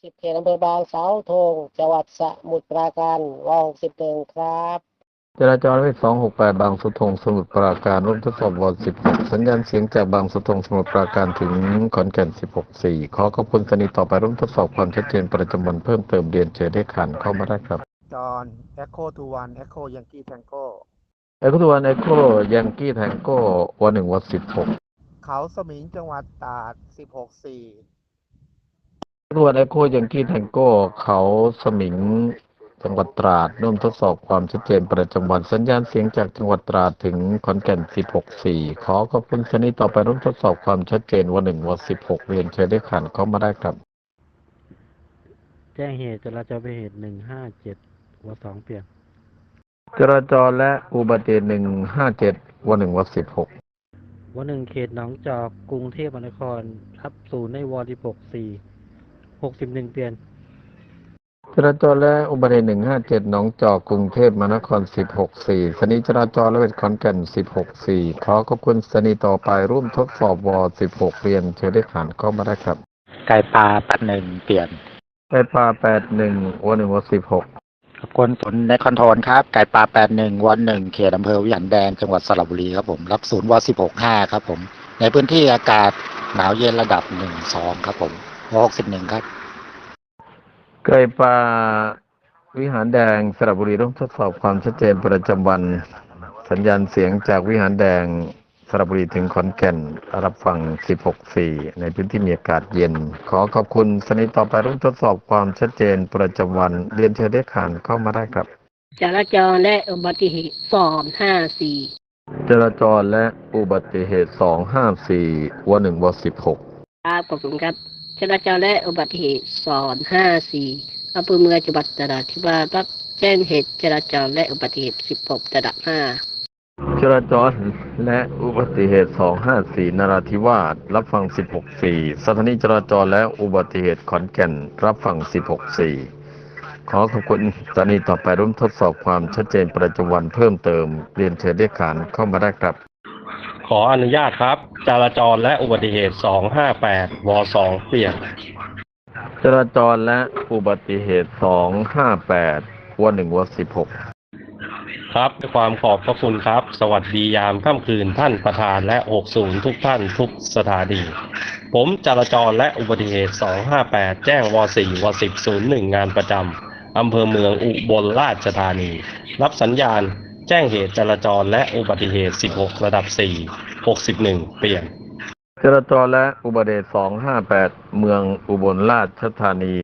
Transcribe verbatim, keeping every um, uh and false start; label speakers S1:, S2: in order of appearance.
S1: สิบเขตอำเภอบางสาวธงจังหวัดสมุทรปราการวหกสิบหนึ่งครับ
S2: จราจรเลขสองหกแปดบางสุทงสมุทรปราการร่วมทดสอบวอสิบหกสัญญาณเสียงจากบางสุทงสมุทรปราการถึงขอนแก่นสิบหกสี่ขอขอบคุณสนีต่อไปร่วมทดสอบความชัดเจนประจำวันเพิ่มเติมเรียนเชิญได้ขันเข้ามาได้ครับ
S3: จอห์น Echo ทู วัน Echo Yankee Tango
S2: เอโคตัวนเอโคยังกี้แทงโก้วันหนึ่งวันสิบหก
S3: เขาสมิงจังหวัดตราดสิบหกสี่
S2: เอโคตัวนเอโคยังกี้แทงโก้เขาสมิงจังหวัดตราดร่วมทดสอบความชัดเจนประจำวันสัญญาณเสียงจากจังหวัดตราดถึงขอนแก่นสิบหกสี่ขอขอบคุณสนีต่อไปร่วมทดสอบความชัดเจนวันหนึ่งวันสิบหกเรียนเชิญได้ขันเข้ามาได้ครับ
S4: แจ้งเหตุจราจรอุบัติเหตุหนึ่งห้าเจ็ดวสองเปลี่ยน
S2: จราจรและอุบัติเหตุหนึ่งห้าเจ็ดวันหนึ่งวันสิบหก
S4: วันหนึ่งเขตหนองจอกกรุงเทพมหานครรับศูนย์ในวอร์ดิบหกสี่หกสิบหนึ่งเปลี่ยน
S2: จราจรและอุบัติเหตุหนึ่งห้าเจ็ดหนองจอกกรุงเทพมหานครสิบหกสี่สนีจราจรและเวทขอนแก่นสิบหกสี่ขอขอบคุณสนีต่อไปร่วมทดสอบวสิบหกเรียนเชิญได้ผ่านเข้ามาได้ครับ
S5: ไก่ปลาแปดหนึ่งเปลี่ยน
S2: ไก่ปลาแปดหนึ่งวันหนึ่งวันสิบหก
S5: ขอบคุณฝนในคอนโทรลครับไก่ปลาแปดหนึ่งวันหนึ่งเขตอำเภอวิหารแดงจังหวัดสระบุรีครับผมรับศูนย์วสิบหกห้าครับผมในพื้นที่อากาศหนาวเย็นระดับหนึ่งสองครับผมวหกสิบหนึ่งครับ
S2: ไก่ปลาวิหารแดงสระบุรีร่วมทดสอบความชัดเจนประจำวันสัญญาณเสียงจากวิหารแดงสระบุรีถึงขอนแก่นรับฟังสิบหกสี่ในพื้นที่มีอากาศเย็นขอขอบคุณสนีต่อไปร่วมทดสอบความชัดเจนประจำวันเรียนเชิญได้ขานเข้ามาได้ครับ
S1: จราจรและอุบัติเหตุสองห้าสี่
S2: จราจรและอุบัติเหตุสองห้าสี่วันหนึ่งวันสิบหก
S1: ครับขอบคุณครับจราจรและอุบัติเหตุสองห้าสี่อำเภอเมืองจังหวัดนราธิวาสรับแจ้งเหตุจราจรและอุบัติเหตุสิบหกระดับห้า
S2: จราจรและอุบัติเหตุสองห้าสี่นราธิวาสรับฟังสิบหกสี่สถานีจราจรและอุบัติเหตุขอนแก่นรับฟังสิบหกสี่ขอขอบคุณสถานีต่อไปร่วมทดสอบความชัดเจนประจำวันเพิ่มเติมเรียนเชิญได้ขานเข้ามาได้ครับ
S6: ขออนุญาตครับจราจรและอุบัติเหตุสองห้าแปดวสองเปลี่ยน
S2: จราจรและอุบัติเหตุสองห้าแปดวันหนึ่งวันสิบหก
S6: ครับด้วยความขอบพระคุณครับสวัสดียามค่ำคืนท่านประธานและหกศูนย์ทุกท่านทุกสถานีผมจราจรและอุบัติเหตุสองห้าแปดแจ้งวสี่วสิบศูนย์หนึ่งงานประจำอำเภอเมืองอุบลราชธานีรับสัญญาณแจ้งเหตุจราจรและอุบัติเหตุสิบหกระดับสี่หกสิบหนึ่งเปลี่ยน
S2: จราจรและอุบัติเหตุสองห้าแปดเมืองอุบลราชธานี